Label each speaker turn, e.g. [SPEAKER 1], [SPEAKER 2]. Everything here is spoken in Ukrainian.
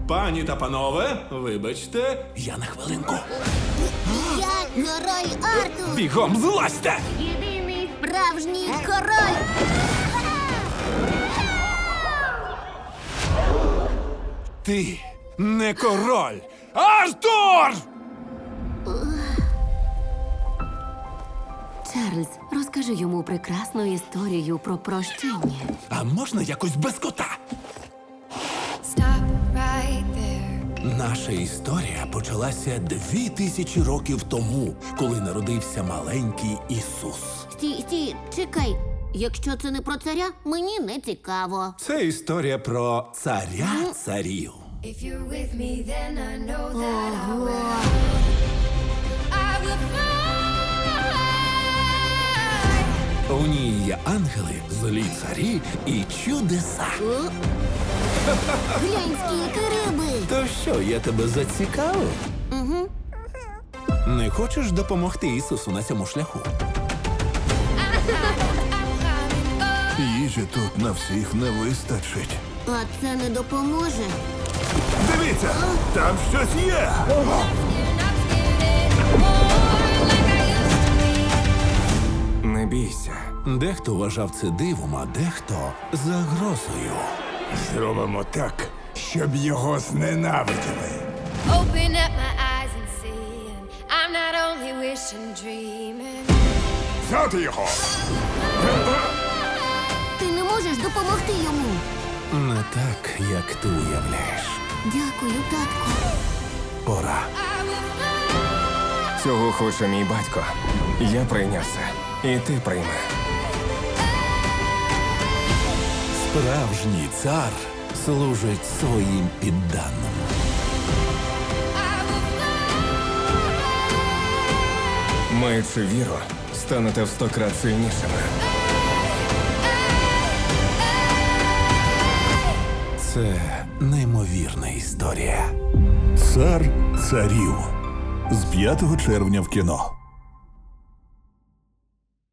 [SPEAKER 1] Пані та панове, вибачте, я на хвилинку.
[SPEAKER 2] Я король Артур!
[SPEAKER 1] Бігом злазьте!
[SPEAKER 2] Єдиний справжній король!
[SPEAKER 1] Ти не король! Артур!
[SPEAKER 3] Чарльз, розкажи йому прекрасну історію про прощення.
[SPEAKER 1] А можна якось без кота?
[SPEAKER 4] Stop right there.
[SPEAKER 1] Наша історія почалася 2000 років тому, коли народився маленький Ісус.
[SPEAKER 2] Стій, чекай. Якщо це не про царя, мені не цікаво.
[SPEAKER 1] Це історія про царя царів.
[SPEAKER 4] If you're with me, then I know that I will. I will fly.
[SPEAKER 1] У ній є ангели, злі царі і чудеса.
[SPEAKER 2] О? Глянь, скільки риби!
[SPEAKER 1] То що, я тебе зацікавив?
[SPEAKER 2] Угу.
[SPEAKER 1] Не хочеш допомогти Ісусу на цьому шляху?
[SPEAKER 5] Їжі тут на всіх не вистачить.
[SPEAKER 2] А це не допоможе.
[SPEAKER 5] Дивіться, там щось є.
[SPEAKER 6] Не бійся.
[SPEAKER 1] Дехто вважав це дивом, а дехто загрозою.
[SPEAKER 5] Зробимо так, щоб його зненавиділи.
[SPEAKER 4] Open up my eyes and see. And I'm not only wishing, dreaming.
[SPEAKER 5] Взяти його!
[SPEAKER 2] Ти не можеш допомогти йому.
[SPEAKER 1] Не так, як ти уявляєш.
[SPEAKER 2] Дякую, татку.
[SPEAKER 1] Пора.
[SPEAKER 6] Цього хоче мій батько. Я прийняв це. І ти прийми.
[SPEAKER 1] Справжній цар служить своїм підданим.
[SPEAKER 6] Маючи віру, станете в 100 крат сильнішими.
[SPEAKER 1] Це неймовірна історія.
[SPEAKER 5] Цар царів. З 5 червня в кіно.